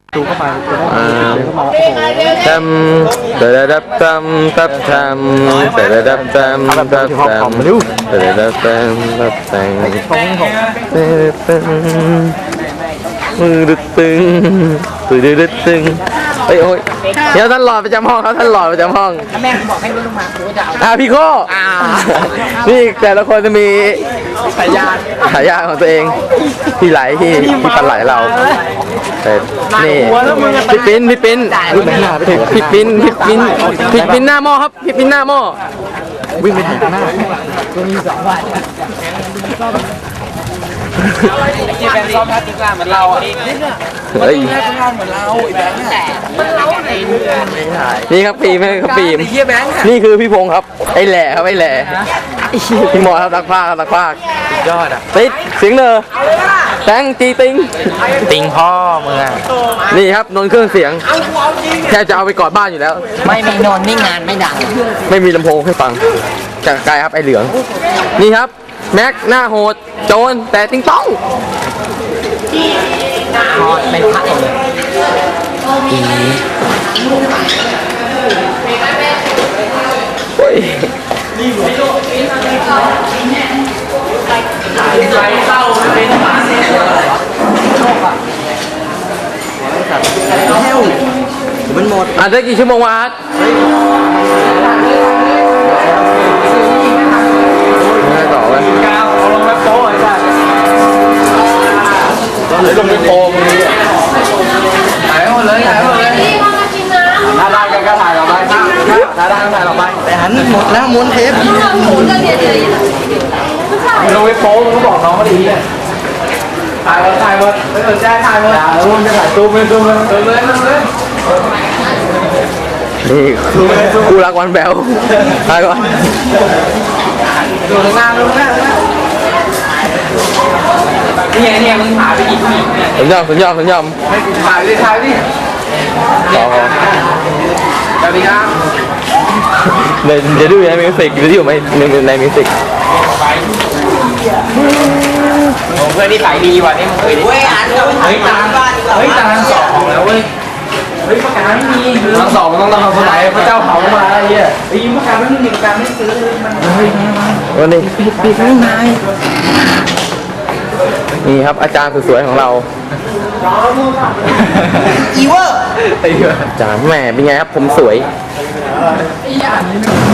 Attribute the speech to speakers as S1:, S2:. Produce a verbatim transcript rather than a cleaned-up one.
S1: ดูเข้าไปเดินเข้ามาโอ้โห
S2: ทำเดดับทำทับทำเดดับทำทับทำเดดับทำทับทำมือดึกตึงตึงดึกตึงเฮ้ยโอ้ยเดี๋ยวท่านหลอดประจำห้องครับท่านหลอดประจำห้อง
S3: แม่บอกให้ลงมากูจะเอา
S2: อ่าพี่โก้นี่แต่ละคนจะมี
S3: สายยา
S2: ฉายาของตัวเองพี่ไหลที่พี่ปันไหลเราแต่นี่พี่ปิ้นพี่ปิ้นพี่ปิ้นพี่ปิ้นพี่ปิ้นหน้าหม้อครับพี่ปิ้นหน้าหม้อวิ่งไปถึงหน้า
S3: ตัวมีสองวันที่เป็นซ้อมทัศน์กลางเหมือนเราอ่ะ
S2: เฮ้ย
S3: ทำงานเหมือนเราไอ้แบงค์แต่มันเราไหน
S2: นี่ครับปีมครับปีมนี่คือพี่พงศ์ครับไอ้แหล่ครับไอ้แหล่พี่หมอครับนักพากย์ครับนักพากย์ยอดอ่ะติดเสียงเนอแตงตีติงติงพ่อมึงอ่ะนี่ครับนนเครื่องเสียงแค่จะเอาไปกอดบ้านอยู่แล้ว
S3: ไม่มีนอนนี่งานไม่ดัง
S2: ไม่มีลำโพงให้ฟังจากไกลครับไอ้เหลืองนี่ครับแม็กหน้าโหดโจรแต่ติงต้อง
S3: เป็นพระเอก
S2: โอ้ยมันหมดอ่ะได้กี่ชั่วโมงวะไม่ต่อเลยก้าวลงไปโป้ไอ้สัสลงไปโป้มึงถ่ายหมดเลยถ่ายหมดเลยถ้าได้กันก็ถ่ายออกไปถ้าได้ก็ถ่ายออกไปแต่หันหมดแล้วม้วนเทปลงไปโป้มึงก็บอกน้องเขาดีเลยถ่ายหมดถ่ายหมดไม่สนใจถ่ายหมดอย่าแล้วมึงจะถ่ายซูมเลยซูมเลยซูมเลยซูมเลยนี่คู่รักวันแบลถ่ายก่อนดูข้างหน้าดูข้างหน้านี่ไงเนี่ยมึงถ่ายไปกี่ผู้หญิงเนี่ยผมยอมผมยอมผมยอมถ่ายดิถ่ายดิต่อสวัสดีครับเดี๋ยวเดี๋ยวดูในมิวสิกดูที่อยู่ไหมในในมิวสิกเพื่อนนี่ขายดีว่ะนี่มึงเคยดิเฮ้ยอ่านเฮ้ยตาเฮ้ยตาสองแล้วเว้ยเฮ้ยประกันไม่มีทั้งสองมันต้องทำคนไหนพระเจ้าเผามาอะไรเงี้ยเฮ้ยประกันไม่มีประกันไม่ซื้อมันเฮ้ยวันนี้ปิดปิดไม่นายนี่ครับอาจารย์สวยๆของเรา
S3: อีเวอร์
S2: อาจารย์แหมเป็นไงครับผมสวย